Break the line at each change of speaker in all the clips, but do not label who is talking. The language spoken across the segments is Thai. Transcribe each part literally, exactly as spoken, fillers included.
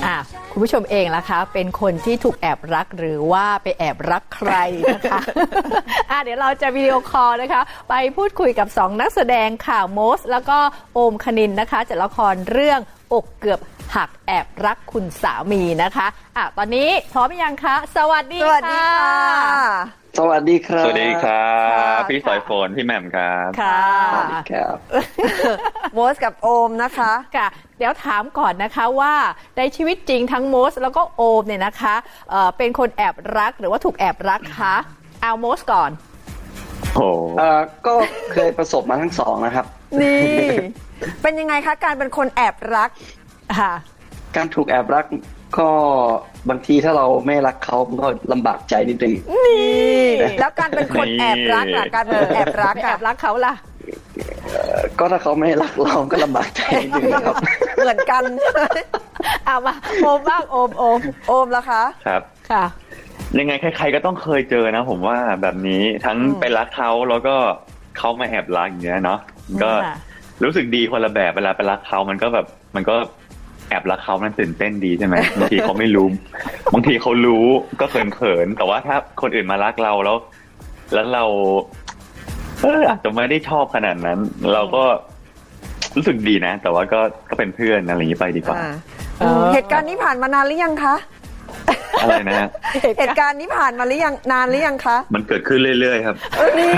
อ่ะคุณผู้ชมเองล่ะคะเป็นคนที่ถูกแอบรักหรือว่าไปแอบรักใครนะคะ อ่ะเดี๋ยวเราจะวิดีโอคอลนะคะไปพูดคุยกับสองนักแสดงค่ะโมสแล้วก็โอมคณินนะคะจากละครเรื่องอกเกือบหักแอบรักคุณสามีนะคะอ่ะตอนนี้พร้อมยังคะสวัสดีค่ะ
สวัสดีค่ะ
สวัสดีครับ
สวัสดีครับ พี่
ค่ะ
สอยฝนพี่แหม่มครับ
ค่ะ
สวัสดีครับ
โมสกับโอมนะคะ
ค่ะเดี๋ยวถามก่อนนะคะว่าในชีวิตจริงทั้งโมสแล้วก็โอมเนี่ยนะคะเอ่อเป็นคนแอบรักหรือว่าถูกแอบรักคะเอาโมสก่อน
โอ้
เอ่อก็เคยประสบมาทั้งสองนะครับ
นี่ เป็นยังไงคะการเป็นคนแอบรัก
ค่ะ
การถูกแอบรักก็บางทีถ้าเราไม่รักเขามันก็ลำบากใจนิดนึง
นี่ แล้วการเป็นคนแอบรักล่ะการเป็นคนแอบรัก
ไม่แอ
อะ
บรักเขาล่ะ
เอ่อก็ถ้าเขาไม่รักเราก็ลำบากใจนิดนึงนะครับ
เหมือนกัน
เอามาโอมบ้างโอมโอม
โอมล่ะคะ
ครับ
ค่ะ
ยังไงใครๆก็ต้องเคยเจอนะผมว่าแบบนี้ทั้ง
อืม
ไปรักเขาแล้วก็เขามาแอบรักอย่างเงี้ยเนาะก็
ค่ะ
รู้สึกดีคนละแบบเวลาไปรักเขามันก็แบบมันก็แอบรักเขามันตื่นเต้นดีใช่ไหม บางทีเขาไม่รู้ บางทีเขารู้ก็เขินๆแต่ว่าถ้าคนอื่นมารักเราแล้ว แล้วเราเอออาจจะไม่ได้ชอบขนาดนั้น เราก็รู้สึกดีนะ แต่ว่าก็ก็เป็นเพื่อนอะไรอย่างนี้ไปดีกว่า
อ่า
เออ
เหตุการณ์นี้ผ่านมานานหรือยังคะ
อะไรนะฮะ
เหตุการณ์นี้ผ่านมาหรือยังนานหรือยังคะ
มันเกิดขึ้นเรื่อยๆครับ
นี่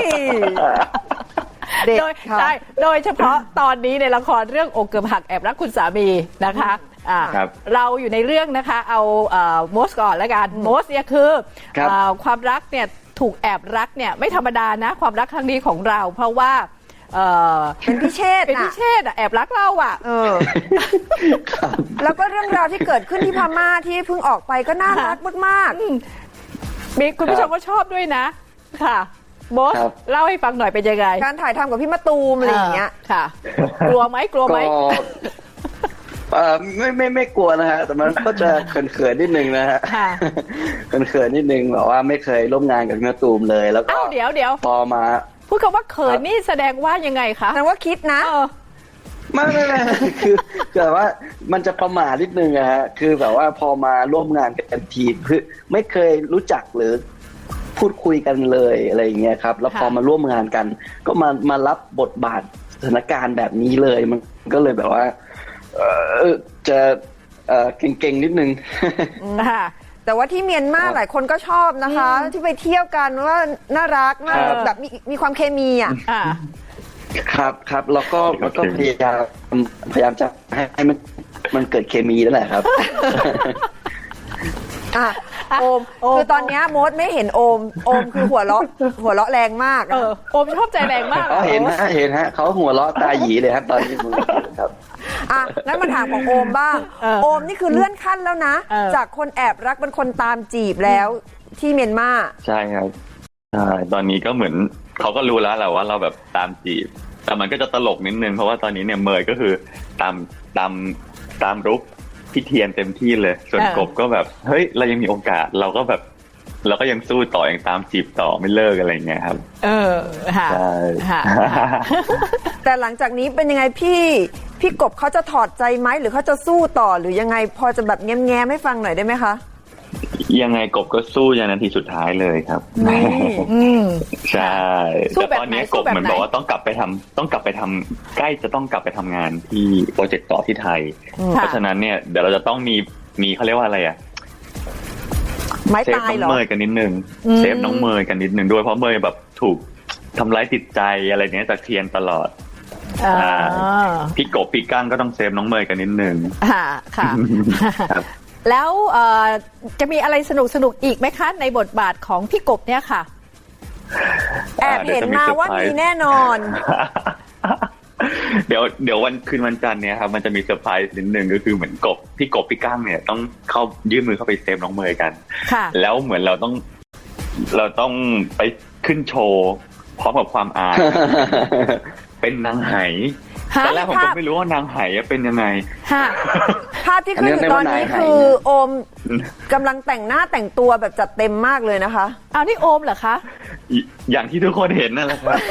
เด็ก
โดย
ค่ะ
ใช่โดยเฉพาะตอนนี้ในละครเรื่องอกเกือบหักแอบรักคุณสามีนะคะอ่า
ครับ
เราอยู่ในเรื่องนะคะเอาโมสก่อนแล้วกันโมสเนี่ยคือ
ครับ
เอ่อความรักเนี่ยถูกแอบรักเนี่ยไม่ธรรมดานะความรักครั้งนี้ของเรา เพราะว่าเอ่อ
เป็นพิเชษ
เป็น
น่ะ
พิเชษฐ์อะแอบรักเราอ่ะ
เออ แล้วก็เรื่องราวที่เกิดขึ้นที่พม่าที่เพิ่งออกไปก็น่ารักมาก
มีคุณผู้ชมก็ชอบด้วยนะค่ะโมส
ครับ
เล่าให้ฟังหน่อยเป็นยังไง
ๆ การถ่ายทำกับพี่มะตูมอะไรอย่างเงี้ย
ค่ะ กลัวไหมกลัวไหม
ก็เอ่อไม่ไม่ไม่กลัวนะฮะแต่มันก็จะเขินๆนิดนึงนะฮะ
ค่ะ
เขินๆนิดนึงแบบว่าไม่เคยร่วมงานกับพี่มะตูมเลย แล้วก็
เอ้าเดี๋ยวเดี๋ยว
พอมา
พูดคำว่าเขินนี่แสดงว่ายังไงคะ
แสดงว่าคิดนะ
เออ
ไม่ไม่ไม่ คือคือแบบว่ามันจะประมาทนิดนึงอะฮะคือแบบว่าพอมาร่วมงานกันทีคือไม่เคยรู้จักหรือพูดคุยกันเลยอะไรอย่างเงี้ยครับ แล้วพอ
ค่ะ
มาร่วมงานกัน ก็มามารับบทบาทสถานการณ์แบบนี้เลยมันก็เลยแบบว่า เออจะเออเก่งๆนิดนึง
ค่ะ
แต่ว่าที่เมียนมา
ครับ
หลายคนก็ชอบนะคะ ที่ไปเที่ยวกันว่าน่ารักน่า
ครับ
แบบมีมีความเคมีอ่ะ
อ่า
ครับครับแล้วก็แล้วก็
โอเค
พยายามพยายามจะให้ให้มันมันเกิดเคมีนั่นแหละครับ
อ่ะโอม
โอม
คือตอนเนี้ยโมดไม่เห็นโอม โอมคือหัวเราะหัวเราะแรงมาก
เอ
อะ
อโอมชอบใจแรงมาก
อ๋อเห็นฮะเห็นฮะเขาหัวเราะตาหยีเลยครับตอนนี้ผมครับ
อ่ะงั้นมาถามของโอมบ้าง โอมนี่คือเลื่อนขั้นแล้วนะ
เออ
จากคนแอบรักเป็นคนตามจีบแล้วที่เมียนมา
ใช่ครับใช่ตอนนี้ก็เหมือนเขาก็รู้แล้วแหละว่าเราแบบตามจีบ แต่มันก็จะตลกนิดนึงเพราะว่าตอนนี้เนี่ยเมยก็คือตามตามตามรุกพี่เทียนเต็มที่เลยส่วนกบก็แบบเฮ้ยเรายังมีโอกาสเราก็แบบเราก็ยังสู้ต่อยังตามจีบต่อไม่เลิกอะไรอย่างเงี้ยครับ
เออค่ะ
ใช่
ค่ะ
แต่หลังจากนี้เป็นยังไงพี่พี่กบเขาจะถอดใจไหมหรือเขาจะสู้ต่อหรือยังไงพอจะแบบแง้มๆให้ฟังหน่อยได้ไหมคะ
ยังไงกบก็สู้ยันนาทีสุดท้ายเลยครับ
อืม
ใช่
สู้
แต่
แบบ
ตอนนี้
ไหน
ก
สู้
บ
แบบ
เหมือน
ไหน
บอกว่าต้องกลับไปทำต้องกลับไปทำใกล้จะต้องกลับไปทำงานที่โปรเจกต์ต่อที่ไทย เพราะฉะนั้นเนี่ยเดี๋ยวเราจะต้องมีมีเขาเรียกว่าอะไรอะ
ไม้
เซฟ
ตาย
น้อง
เหรอ
เมย์กันนิดนึง
อืม
เซฟน้องเมย์กันนิดนึงด้วยเพราะเมย์แบบถูกทำร้ายจิตใจอะไรเนี้ยจากเทียนตลอด
อ่า
อ่า พี่กบพี่ก้างก็ต้องเซฟน้องเมย์กันนิดนึง
ค่ะค่ะ
ครับ
แล้วเอ่อจะมีอะไรสนุกสนุกอีกไหมคะ ในบทบาทของพี่กบเนี่ยค่ะ
แอบเห็นมาว่ามีแน่นอน
เดี๋ยวเดี๋ยววันคืนวันจันทร์เนี่ยครับมันจะมีเซอร์ไพรส์นิดนึงก็คือเหมือนกบพี่กบพี่ก้างเนี่ยต้องเข้ายื่นมือเข้าไปเซฟน้องเมย์กัน
ค่ะ
แล้วเหมือนเราต้องเราต้องไปขึ้นโชว์พร้อมกับความอาย เป็นนางไห
ฮะ
ตอนแรกผม
ภา
ก็
พ
ไม่รู้ว่านางไหเป็นยังไง
ฮะ
ภาพที่ขึ้นอยู่ตอนนี้คือโอมกำลังแต่งหน้าแต่งตัวแบบจัดเต็มมากเลยนะคะ
เอานี่โอมเหรอคะ
อย่างที่ทุกคนเห็นนั่นแหละครับ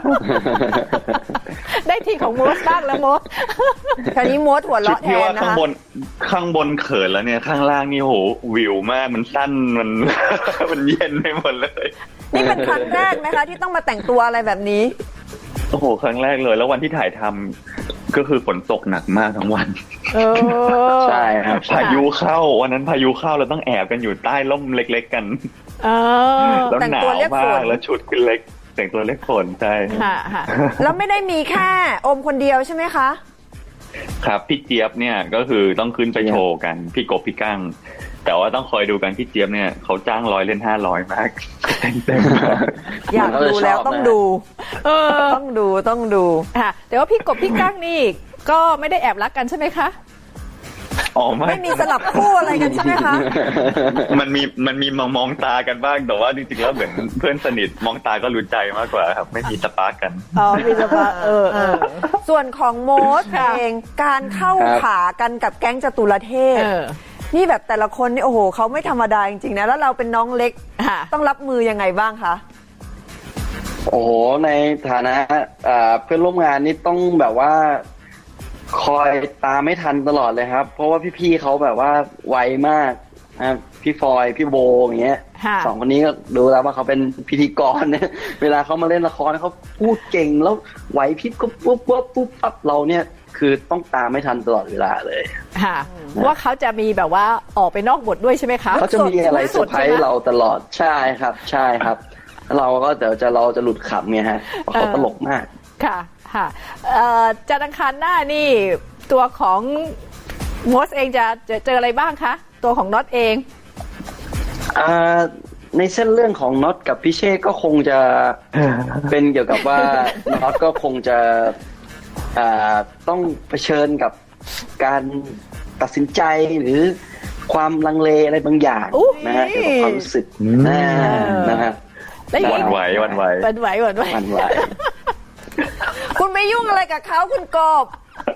ได้ทีของโมสบ้างแล้วโมส
คราวนี้โมดหัว
ชุด
เราะแท
ที่
น
ว่า
นะ
ข้าง
คะ
บนข้างบนเขินแล้วเนี่ยข้างล่างนี่โหวิวมากมันสั้นมัน มันเย็นไปหมดเลย
นี่เป็นครั้งแรกไหมคะที่ต้องมาแต่งตัวอะไรแบบนี้
โอ้โหครั้งแรกเลยแล้ววันที่ถ่ายทำก็คือฝนตกหนักมากทั้งวัน
เออ
ใช่ครับ
พายุเข้าวันนั้นพายุเข้าเราต้องแอบกันอยู่ใต้ร่มเล็ก ๆ กัน
เออ
แล้ว
แต่ง
หนา
ตัว
ว
เรียกฝ
มาก
น
แล้วชุดคือเล็ก แต่งตัวเล็กฝนใช่
ค่ะค่ะ
แล้วไม่ได้มีแค่โอมคนเดียวใช่ไหมคะ
ครับพี่เจี๊ยบเนี่ยก็คือต้องขึ้นไปโชว์กันพี่กบพี่กั้งแต่ว่าต้องคอยดูกันพี่เจี๊ยบเนี่ยเขาจ้างร้อยเล่นห้าร้อยมากเต็มๆมาก
อยากดูแล้วต้องดู
เออ
ต้องดูต้องดู
ค่ะแต่ว่าพี่กบพี่กั้งนี่ก็ไม่ได้แอบรักกันใช่ไหมคะ
อ๋อไม่
ไม่มีสลับคู่อะไรกันใช่ไหมคะ
มันมีมันมีมองมองตากันบ้างแต่ว่าจริงๆแล้วเหมือนเพื่อนสนิทมองตาก็รู้ใจมากกว่าครับไม่มีสปาร์กกัน
อ๋อมีสปาเออเออ
ส่วนของโมส
ค่ะ
เองการเข้า
ครับ
ขากันกับแก๊งจตุรเทพ
เออ
นี่แบบแต่ละคนนี่โอ้โหเขาไม่ธรรมดาจริงๆนะแล้วเราเป็นน้องเล็ก
ค่ะ
ต้องรับมือยังไงบ้างคะ
โอ้โหในฐานะอ่าเพื่อนร่วมงานนี่ต้องแบบว่า คอยตามไม่ทันตลอดเลยครับ เพราะว่าพี่ๆเขาแบบว่าไวมากนะครับพี่ฟอยพี่โบอย่างเงี้ย
ค่ะ
สองคนนี้ก็ดูแล้วว่าเขาเป็นพิธีกรเนี่ย เวลาเขามาเล่นละครเขาพูดเก่งแล้วไหวพริบก็ปุ๊บปุ๊บปุ๊บปั๊บเราเนี่ย คือต้องตามไม่ทันตลอดเวลาเลย
ค่ะว่าเขาจะมีแบบว่าออกไปนอกบทด้วยใช่ไหมคะ
เขาจะมีอะไรเซอร์ไพรส์เราตลอดใช่ครับ ใช่ครับแล้วเราก็เดี๋ยวจะเราจะหลุดขำไงฮะเพราะเขาตลกมาก
ค่ะค่ะเอ่อจันทร์อังคารหน้านี่ตัวของโมสเองจะจะเจออะไรบ้างคะตัวของน็อตเอง
อ่าในเส้นเรื่องของน็อตกับพี่เช่ก็คงจะ เป็นเกี่ยวกับว่า น็อตก็คงจะอ่าต้องเผชิญกับการตัดสินใจหรือความลังเลอะไรบางอย่าง
อุ๊ย
นะฮะเกี่ยวกับความรู้สึก
อืม
นะนะฮะ
ได้
หวั่นไหวหวั่นไหว
หวันไหวหวันไหว
มันไหว
คุณไม่ยุ่งอะไรกับเขาคุณกบ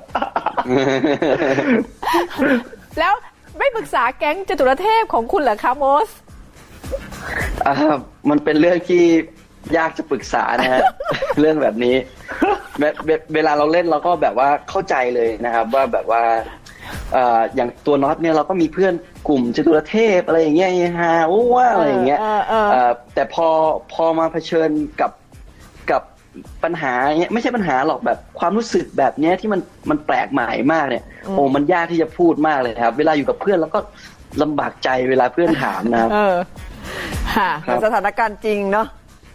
แล้วไม่ปรึกษาแก๊งจตุรเทพของคุณเหรอคะโมส
อ่ามันเป็นเรื่องที่ยากจะปรึกษานะฮ ะ เรื่องแบบนี้เวเวเวลาเราเล่นเราก็แบบว่าเข้าใจเลยนะครับ ว่าแบบว่าเอ่ออย่างตัวน็อตเนี่ยเราก็มีเพื่อนกลุ่มจตุรเทพอะไรอย่างเงี้ยฮาโอ้ว่าอะไรอย่างเงี้ย
เออเออ
เอ่อแต่พอพอมาเผชิญกับกับปัญหาเนี้ยไม่ใช่ปัญหาหรอกแบบความรู้สึกแบบเนี้ยที่มันมันแปลกใหม่มากเนี่ยโอ้มันยากที่จะพูดมากเลยครับ เวลาอยู่กับเพื่อนแล้วก็ลำบากใจเวลาเพื่อนถามนะครับ
เออค่ะ
ครับ
สถานการณ์จริงเนาะ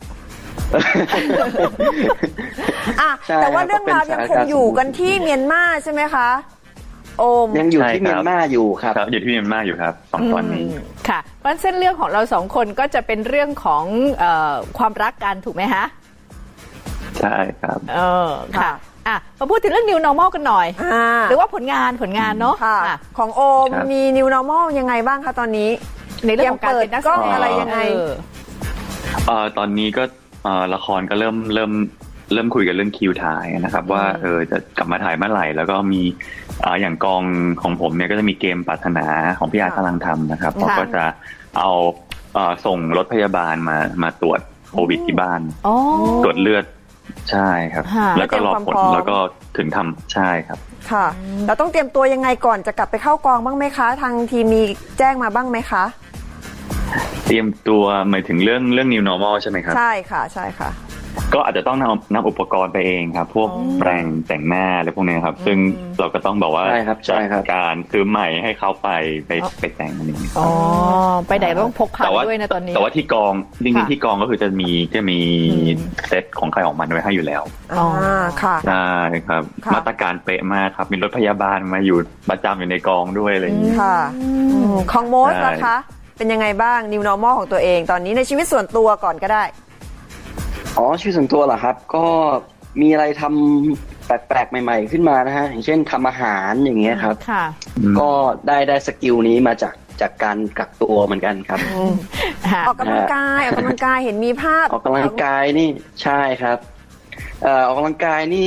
อ่ะ
ใช่
แต่ว่า
ครับ
เรื่องราว
ก็เป็น
ยังคง
สถานการณ์
อยู่กันที่เมียนมาใช่ไหมคะ โอม
ยังอยู่
ใช่
ที่
ครับ
เมียนมาอยู่ครับ
ครับอยู่ที่เมียนมาอยู่ครับสองตอนนี้
อืมค่ะเพราะฉะนั้นเส้นเรื่องของเราสองคนก็จะเป็นเรื่องของเออความรักกันถูกไหมฮะ
ใช่ครับ
เออค่ะ
ค่ะ
อ่ะมาพูดถึงเรื่อง new normal กันหน่อย
อ่า
หรือว่าผลงานผลงานเนาะ
ค่ะ
อ่ะ
ของโอม
ครับ
มี new normal ยังไงบ้างคะตอนนี้
ในเรื่องของการเป็นนักแส
เตรียม
ด
เปิดกล้อง
ง
อะไรยังไง
เออ
เอ่อตอนนี้ก็เอ่อละครก็เริ่มเริ่มเริ่มคุยกันเรื่องคิวถ่ายนะครับ ว่าเออจะกลับมาถ่ายเมื่อไหร่ แล้วก็มีอ่าอย่างกองของผมเนี่ยก็จะมีเกมปรารถนาของพี่อาร์ตกำลังทำนะครับเขาก็จะเอาเอ่อส่งรถพยาบาลมามาตรวจโควิดที่บ้าน
อ๋อ
ตรวจเลือดใช่ครับ
ค่ะ
แล้วก็รอผล
เตรียมความพร้อม
แล้วก็ถึงทำใช่ครับ
ค่ะเราต้องเตรียมตัวยังไงก่อนจะกลับไปเข้ากองบ้างไหมคะ ทางทีมมีแจ้งมาบ้างไหมคะ
เตรียมตัวหมายถึงเรื่องเรื่อง new normal ใช่ไหมครับ
ใช่ค่ะใช่ค่ะ
ก็อาจจะต้องนำนำอุปกรณ์ไปเองครับ พวกแปรงแต่งหน้าอะไรพวกนี้ครับ ซึ่งเราก็ต้องบอกว่า
ใช่ครับใช่ครับ
จัดการซื้อใหม่ให้เขาไปไปไปแต่งอะไรอย่างเงี้ย
อ๋อไปไหนต้องพกพา
แต่ว่า
ด้วยนะตอนนี้
แต่ว่าที่กองจริง
ค่ะ
ๆที่กองก็คือจะมีจะมี
อืม
เซตของใครของมันไว้ให้อยู่แล้ว
อ๋อ
อ่าค่ะ
ใช่ครับ
ค่ะ
มาตรการเป๊ะมากครับ มีรถพยาบาลมาอยู่ประจำอยู่ในกองด้วยอะไรอย่างนี้
ค่ะอืมของโมส
ใช่
นะคะ เป็นยังไงบ้าง new normal ของตัวเอง ตอนนี้ในชีวิตส่วนตัวก่อนก็ได้
อ๋อชื่อส่วนตัวเหรอครับ ก็มีอะไรทำแปลกๆใหม่ๆขึ้นมานะฮะอย่างเช่นทำอาหารอย่างเงี้ยครับ
ค่ะ
ก็ได้ได้สกิลนี้มาจากจากการกักตัวเหมือนกันครับ
ค่ะ
ออกกำลังกายออกกำลังกายเห็นมีภาพ
ออกกำลังกายนี่ใช่ครับเอ่อออกกำลังกายนี่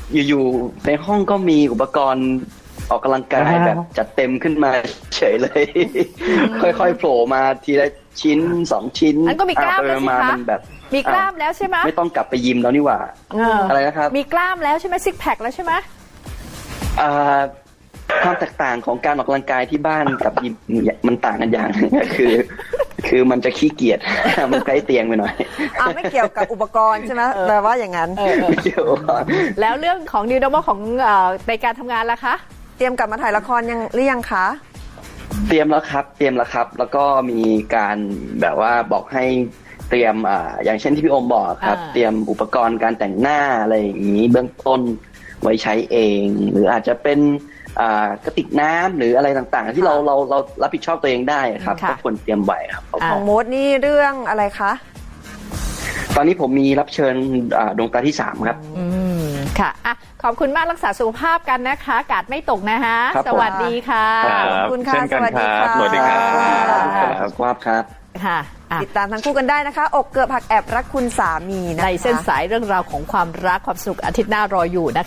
อยู่ๆในห้องก็มีอุปกรณ์ออกกำลังกายแบบจัดเต็มขึ้นมาเฉยเลย ค่อยๆโผล่มาทีละชิ้นสองชิ้น
อันก็มีกล้าม
อ่ะ
แล้ว
ไป
สิ
มา
คะ
มันแบบ
มีกล้ามแล้วใช่ไหม
ไม่ต้องกลับไปยิมแล้วนี่หว่า
เอออ
อะไรนะครับ
มีกล้ามแล้วใช่ไหมซิกแพคแล้วใช่ไหม
อ่าความแตกต่างของการออกกำลังกายที่บ้านกับยิมเนี่ยมันต่างกันอย่าง คือ คือมันจะขี้เกียจ มันใกล้เตียงไปหน่อย
อ่าไม่เกี่ยวกับอุปกรณ์ใช่ไหมแต่ว่าอย่างนั้น
เออเออ
ไม่เกี่ยว
แล้วเรื่องของ New Normal ของเอ่อในการทำงานล่ะคะ
เตรียมกลับมาถ่ายละครยังหรือยังคะ
เตรียมแล้วครับ เตรียมแล้วครับ แล้วก็มีการแบบว่าบอกให้เตรียมอ่าอย่างเช่นที่พี่โอมบอกครับ
อ่า
เตรียมอุปกรณ์การแต่งหน้าอะไรอย่างนี้เบื้องต้นไว้ใช้เอง หรืออาจจะเป็นอ่ากระติกน้ำหรืออะไรต่างๆ ที่เราเราเรารับผิดชอบตัวเองได้ครับ
ค่ะ
ก็ควรเตรียมไว้ครับ
อ่า
ของโมดนี่เรื่องอะไรคะ
ตอนนี้ผมมีรับเชิญอ่าดวงตาที่สามครับ
อืมค่ะอ่ะ ขอบคุณมากรักษาสุขภาพกันนะคะ กาดไม่ตกนะคะ
ครับผม
สวัสดีค่ะ
ครั
ขอบคุณค่ะ
เช่นกัน
สวัสดี
ครับ
ค่ะ
สวัสดีครับ
ครับครับครับ
ค่ะอ่ะ
ติดตามทั้งคู่กันได้นะคะ อกเกือบหักแอบรักคุณสามีนะคะ
ในเส้นสายเรื่องราวของความรักความสนุกอาทิตย์หน้ารออยู่นะคะ